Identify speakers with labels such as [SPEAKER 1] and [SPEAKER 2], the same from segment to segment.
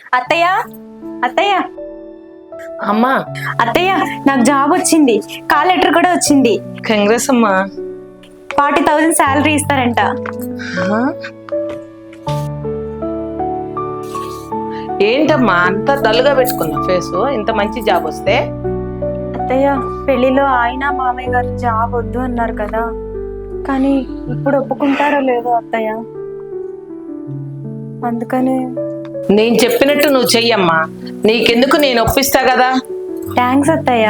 [SPEAKER 1] అత్తయ్య అత్తయ్య
[SPEAKER 2] అమ్మా
[SPEAKER 1] అత్తయ్య నాకు జాబ్ వచ్చింది, కాల్ లెటర్ కూడా వచ్చింది.
[SPEAKER 2] కంగ్రెస్ అమ్మా.
[SPEAKER 1] 40,000 శాలరీ ఇస్తారంట.
[SPEAKER 2] ఏంటమ్మా అంత డల్గా పెట్టుకున్నా ఫేస్? ఇంత మంచి జాబ్ వస్తే?
[SPEAKER 1] అత్తయ్య పెళ్లిలో ఆయన మామయ్య గారు జాబ్ వద్దు అన్నారు కదా, కానీ ఇప్పుడు ఒప్పుకుంటారో లేదో అత్తయ్య, అందుకని.
[SPEAKER 2] నేను చెప్పినట్టు నువ్వు చెయ్యమ్మా, నీకెందుకు, నేను ఒప్పిస్తా కదా.
[SPEAKER 1] థ్యాంక్స్ అత్తయ్య.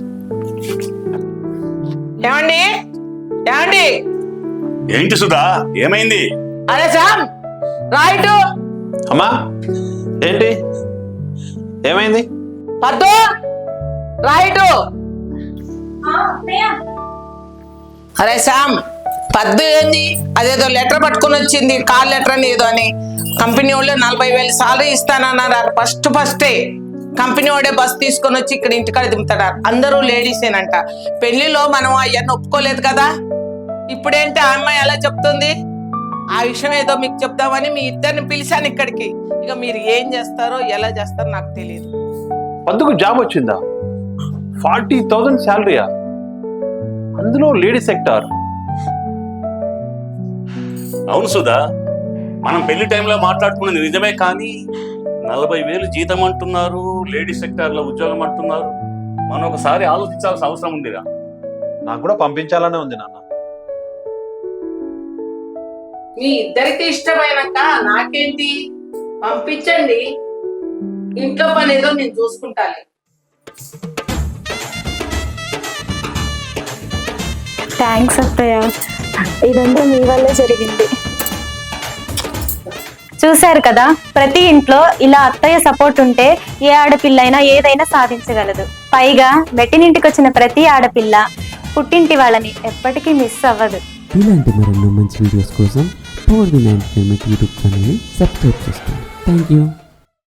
[SPEAKER 2] ఏమండి ఏమండి?
[SPEAKER 3] ఏంటి సుధా, ఏమైంది?
[SPEAKER 2] అరే శామ్ రైట్.
[SPEAKER 4] అమ్మా ఏంటి ఏమైంది?
[SPEAKER 2] పద్దు రైట్. అరే శామ్, పద్దు ఏంది అదేదో లెటర్ పట్టుకుని వచ్చింది, కాల్ లెటర్ అని ఏదో అని. కంపెనీ వాళ్ళు 40,000 సాలరీ ఇస్తానన్నారు. ఫస్టే కంపెనీ వాడే బస్ తీసుకొని వచ్చి ఇక్కడ ఇంటికాడ దింపుతాడు. అందరూ లేడీసేనంట. పెళ్లిలో మనం అవన్నీ ఒప్పుకోలేదు కదా. ఇప్పుడేంటి ఆ అమ్మాయి ఎలా చెప్తుంది? ఆ విషయం ఏదో మీకు చెప్తామని మీ ఇద్దరిని పిలిచాను ఇక్కడికి. ఇక మీరు ఏం చేస్తారో ఎలా చేస్తారో నాకు తెలియదు.
[SPEAKER 4] అందుకు జాబ్ వచ్చిందా? 40,000 శాలరీయా? అందులో లేడీ సెక్టార్.
[SPEAKER 3] అవును సుధా, మనం పెళ్లి టైంలో మాట్లాడుకున్నది నిజమే, కానీ 40,000 జీతం అంటున్నారు, లేడీ సెక్టార్ లో ఉద్యోగం అంటున్నారు. మనం ఒకసారి ఆలోచించాల్సిన అవసరం ఉందిరా.
[SPEAKER 4] నాకు కూడా పంపించాలనే ఉంది నాన్న.
[SPEAKER 2] మీ ఇద్దరికి ఇష్టమైనాక నాకేంటి, పంపించండి. ఇంట్లో పని ఏదో నేను చూసుకుంటాను.
[SPEAKER 1] థ్యాంక్స్ అత్తయ్య, ఇదంతా మీ వల్లే జరిగింది. చూశారు కదా, ప్రతి ఇంట్లో ఇలా అత్తయ్య సపోర్ట్ ఉంటే ఏ ఆడపిల్ల అయినా ఏదైనా సాధించగలదు. పైగా మెట్టినింటికి వచ్చిన ప్రతి ఆడపిల్ల పుట్టింటి వాళ్ళని ఎప్పటికీ మిస్ అవ్వదు.
[SPEAKER 5] ఇలాంటి మరెన్నో మంచి వీడియోస్ కోసం పవర్ ది 9 యూట్యూబ్ ఛానల్ని సబ్స్క్రైబ్ చేసుకోండి. Thank you.